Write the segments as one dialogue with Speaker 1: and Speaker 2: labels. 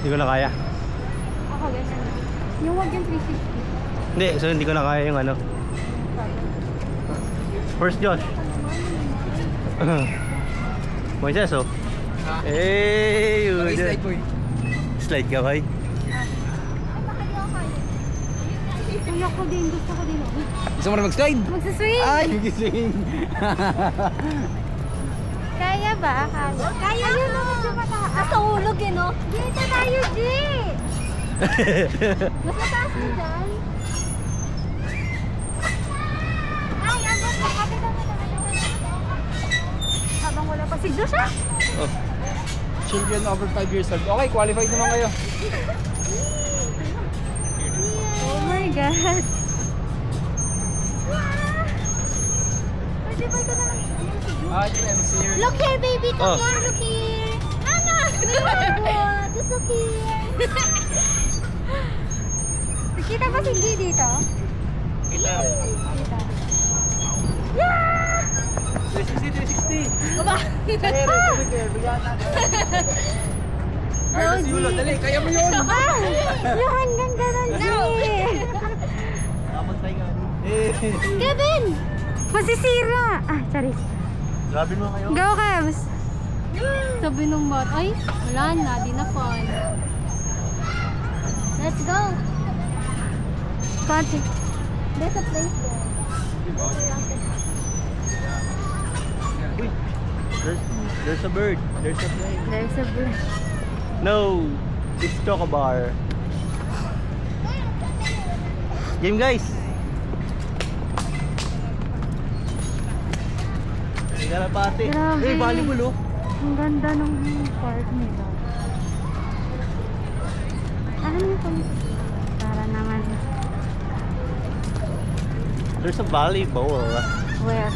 Speaker 1: Hindi ko na kaya.
Speaker 2: Ako ganyan. Yung wag yung 360.
Speaker 1: Hindi, so hindi ko na kaya yung ano. First Josh. Moises, oh. Hey,
Speaker 3: Slide boy.
Speaker 1: Slide ka, boy.
Speaker 2: Kuya ko din, gusto ko din.
Speaker 3: Gusto mo na mag-slide?
Speaker 2: Magsaswing!
Speaker 3: Ay, gising.
Speaker 2: Kaya ba? Kaya ayun na, medyo mataas. Tulog eh, no? Dito tayo, G! Mas mataas mo dyan. Ay, ang ganda. Kapit mo habang wala pa si Josh, ah.
Speaker 1: Oh.
Speaker 3: Children over 5 years old. Okay, qualified naman kayo.
Speaker 2: Oh my God. Pwede ba ito na lang?
Speaker 3: Ito MC here.
Speaker 2: Look here, baby. Come
Speaker 1: Oh.
Speaker 2: here. Look here. Anna! What? Just look here. Nakita ba si G dito?
Speaker 1: Kita.
Speaker 2: Kita. Yeah!
Speaker 3: 360.
Speaker 2: Baba!
Speaker 3: Carlos Yulo, dali, kaya mo yun.
Speaker 2: Ah! Yung hanggang ganon, G! Kevin! Masisira! Ah, charis.
Speaker 1: Grabe mo kayo.
Speaker 2: Go, Kevs! Sabi nung bot, ay, wala na, di na fun. Let's go! Konti. There's a place there.
Speaker 1: Uy, there's a bird. There's a plane.
Speaker 2: There's a bird.
Speaker 1: No, it's Chocobar. Game, guys. Garapati.
Speaker 2: Grabe.
Speaker 1: Eh, volleyball, oh.
Speaker 2: Ang ganda ng park nila. Ano ito? Para naman.
Speaker 1: There's a volleyball.
Speaker 2: Where?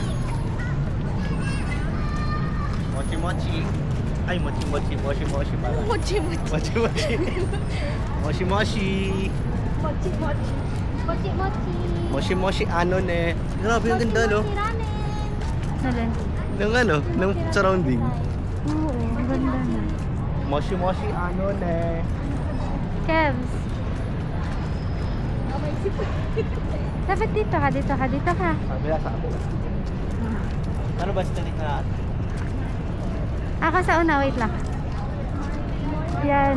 Speaker 1: Mochi mochi. Ay, mochi mochi, mochi mochi pala.
Speaker 2: Mochi mochi.
Speaker 1: Mochi mochi. Mochi mochi.
Speaker 2: Mochi mochi. Mochi mochi.
Speaker 1: Mochi mochi ano ne. Grabe ang ganda, no?
Speaker 2: Saan?
Speaker 1: Ng ano, ng surrounding.
Speaker 2: Oo, ang ganda na.
Speaker 1: Mochi mochi ano ne.
Speaker 2: Kevs. Dapat dito ka, dito ka, dito ka.
Speaker 1: Kabila sa kabila. Ano ba sa na?
Speaker 2: Ako sa una, wait lang. Yan.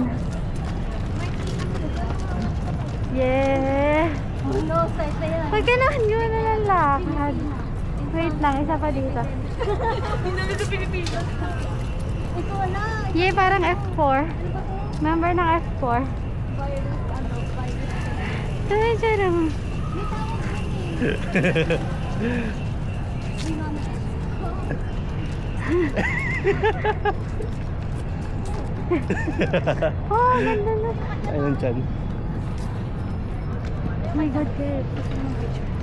Speaker 2: Yeah. Huwag ka naman yun na lalakad. Wait lang, isa pa dito.
Speaker 4: Hindi sa Pilipinas.
Speaker 2: Ito wala. Yeah, parang F4. Member ng F4. Ay, charang. Oh, ganda na.
Speaker 1: Ayun dyan.
Speaker 2: Oh my God, Kate.